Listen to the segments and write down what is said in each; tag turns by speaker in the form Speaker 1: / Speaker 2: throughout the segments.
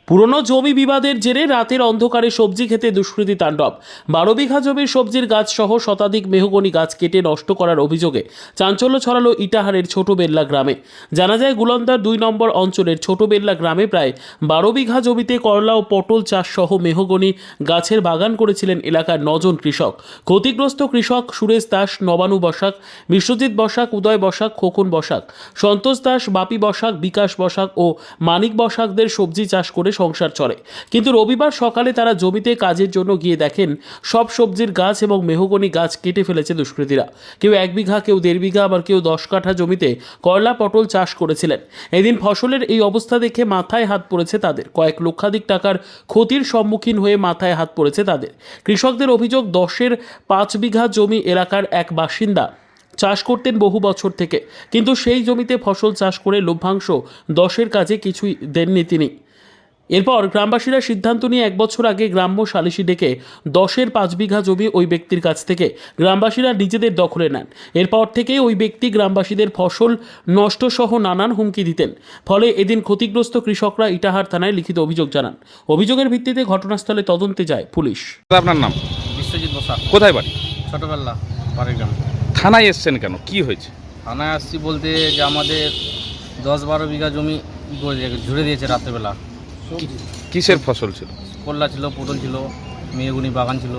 Speaker 1: পুরনো জমি বিবাদের জেরে রাতের অন্ধকারে সবজি খেতে দুষ্কৃতী তাণ্ডব। 12 বিঘা জমির সবজির গাছ সহ শতাধিক মেহগনি গাছ কেটে নষ্ট করার অভিযোগে চাঞ্চল্য ছড়ালো ইটাহারের ছোট বেল্লা গ্রামে। জানা যায় গুলন্দার 2 নম্বর অঞ্চলের ছোট বেল্লা গ্রামে প্রায় 12 বিঘা জমিতে করলা ও পটল চাষ সহ মেহগনি গাছের বাগান করেছিলেন এলাকার 9 জন কৃষক। ক্ষতিগ্রস্ত কৃষক সুরেশ দাস, নবানু বসাক, বিশ্বজিৎ বসাক, উদয় বসাক, খোকন বসাক, সন্তোষ দাস, বাপি বসাক, বিকাশ বসাক ও মানিক বসাকদের সবজি চাষ করে সংসার চলে। কিন্তু রবিবার সকালে তারা জমিতে কাজের জন্য গিয়ে দেখেন সব সবজির গাছ এবং মেহগনি গাছ কেটে ফেলেছে দুষ্কৃতীরা। কেউ 1 বিঘা, কেউ 1.5 বিঘা, আবার কেউ 10 কাঠা জমিতে করলা পটল চাষ করেছিলেন। এদিন ফসলের এই অবস্থা দেখে মাথায় হাত পড়েছে তাদের। কয়েক লক্ষাধিক টাকার ক্ষতির সম্মুখীন হয়ে মাথায় হাত পড়েছে তাদের। কৃষকদের অভিযোগ, 10-এর 5 বিঘা জমি এলাকার এক বাসিন্দা চাষ করতেন বহু বছর থেকে, কিন্তু সেই জমিতে ফসল চাষ করে লভ্যাংশ 10-এর কাজে কিছুই দেননি তিনি। এরপর গ্রামবাসীরা সিদ্ধান্ত নিয়ে 1 বছর আগে গ্রাম্য সালিশি ডেকে 10-এর 5 বিঘা জমি ওই ব্যক্তির কাছ থেকে গ্রামবাসীরা নিজেদের দখলে নেন। এরপর থেকেই ওই ব্যক্তি গ্রামবাসীদের ফসল নষ্ট সহ নানান হুমকি দিতেন। ফলে এদিন ক্ষতিগ্রস্ত কৃষকরা ইটাহার থানায় লিখিত অভিযোগ জানান। অভিযোগের ভিত্তিতে ঘটনাস্থলে তদন্তে যায় পুলিশ।
Speaker 2: আপনার নাম?
Speaker 3: বিশ্বজিৎ বসাক।
Speaker 2: কোথায় বাড়ি?
Speaker 3: ছোটবেলা বাড়ির গ্রাম।
Speaker 2: থানায় এসছেন কেন, কি হয়েছে?
Speaker 3: থানায় আসছি বলতে যে আমাদের 10-12 বিঘা জমি ঝুড়ে দিয়েছে রাত্রেবেলা।
Speaker 2: কিসের ফসল ছিল?
Speaker 3: করলা ছিল, পটল ছিল, মেহগুনি বাগান ছিল।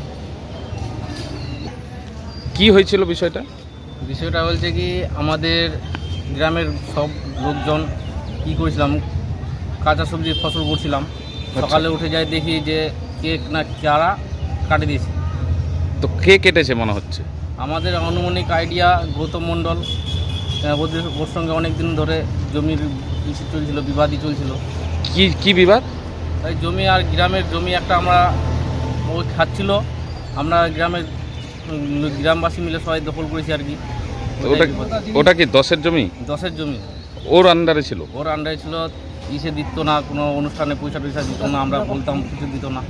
Speaker 2: কি হয়েছিল বিষয়টা?
Speaker 3: বিষয়টা বলছে কি, আমাদের গ্রামের সব লোকজন কী করেছিলাম, কাঁচা সবজির ফসল করছিলাম। সকালে উঠে যাই দেখি যে কেক না চারা কাটে দিয়েছে।
Speaker 2: তো কে কেটেছে মনে হচ্ছে?
Speaker 3: আমাদের আনুমানিক আইডিয়া গৌতম মণ্ডল। ওর সঙ্গে অনেক দিন ধরে জমির ইস্যু চলছিল, বিবাদই চলছিল।
Speaker 2: কি বিবাদ?
Speaker 3: এই জমি আর গ্রামের জমি একটা আমরা ওই খাচ্ছিল, আমরা গ্রামবাসী মিলে সবাই দখল করেছি আর কি।
Speaker 2: ওটা কি 10-এর জমি?
Speaker 3: 10-এর জমি
Speaker 2: ওর আন্ডারে ছিল?
Speaker 3: ওর আন্ডারে ছিল। ইসে দিত না, কোনো অনুষ্ঠানে পয়সা দিত না, আমরা বলতাম কিছু দিত না।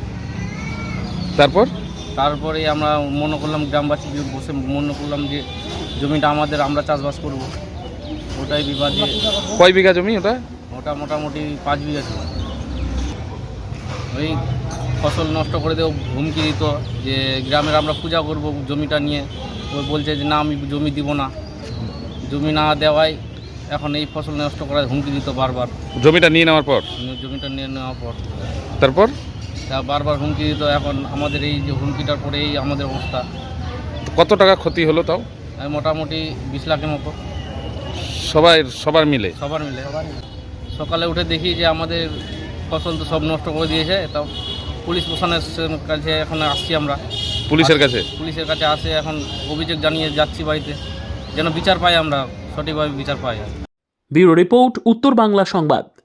Speaker 3: তারপরে আমরা মনে করলাম, গ্রামবাসী বসে মনে করলাম যে জমিটা আমাদের, আমরা চাষবাস করব। ওটাই বিবাদে।
Speaker 2: কয় বিঘা জমি ওটা?
Speaker 3: ওটা মোটামুটি 5 বিঘা ছিল। ওই ফসল নষ্ট করে দেও হুমকি দিত যে গ্রামের আমরা পূজা করব জমিটা নিয়ে। ওই বলছে যে না, আমি জমি দিব না। জমি না দেওয়ায় এখন এই ফসল নষ্ট করার হুমকি দিত বারবার।
Speaker 2: জমিটা নিয়ে নেওয়ার পর?
Speaker 3: জমিটা নিয়ে নেওয়ার পর
Speaker 2: তারপর
Speaker 3: বারবার হুমকি দিত। এখন আমাদের এই যে হুমকিটার পরে এই আমাদের অবস্থা।
Speaker 2: কত টাকা ক্ষতি হলো তাও?
Speaker 3: মোটামুটি 20 লাখের মতো।
Speaker 2: সবার মিলে?
Speaker 3: সবার মিলে। সকালে উঠে দেখি যে আমাদের ফসল তো সব নষ্ট করে দিয়েছে। তাও পুলিশ প্রশাসনের কাছে এখন আসছি আমরা।
Speaker 2: পুলিশের কাছে
Speaker 3: আসে, এখন অভিযোগ জানিয়ে যাচ্ছি বাড়িতে, যেন বিচার পাই, আমরা সঠিকভাবে বিচার পাই।
Speaker 1: ব্যুরো রিপোর্ট, উত্তর বাংলা সংবাদ।